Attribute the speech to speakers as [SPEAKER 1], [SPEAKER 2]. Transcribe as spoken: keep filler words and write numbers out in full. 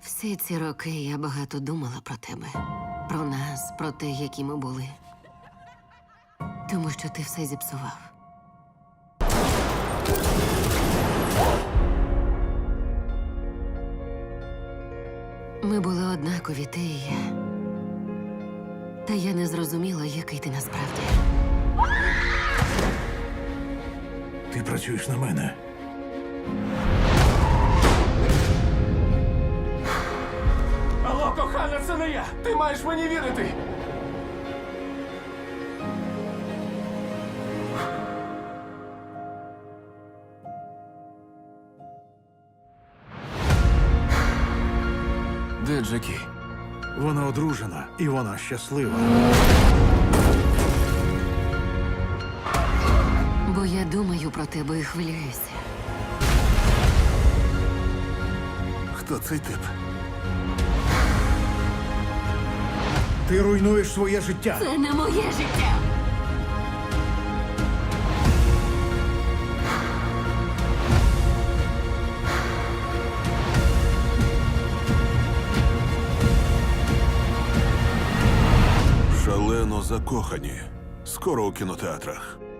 [SPEAKER 1] Всі ці роки я багато думала про тебе, про нас, про те, які ми були. Тому що ти все зіпсував. Ми були однакові, ти і я. Та я не зрозуміла, який ти насправді.
[SPEAKER 2] Ти працюєш на мене.
[SPEAKER 3] Алло, кохана, це не я! Ти маєш мені вірити! Де Джекі?
[SPEAKER 2] Вона одружена і вона щаслива.
[SPEAKER 1] Бо я думаю про тебе і хвилююся.
[SPEAKER 2] Хто цей тип? Ти руйнуєш своє життя.
[SPEAKER 1] Це не моє життя!
[SPEAKER 4] Шалено закохані. Скоро у кінотеатрах.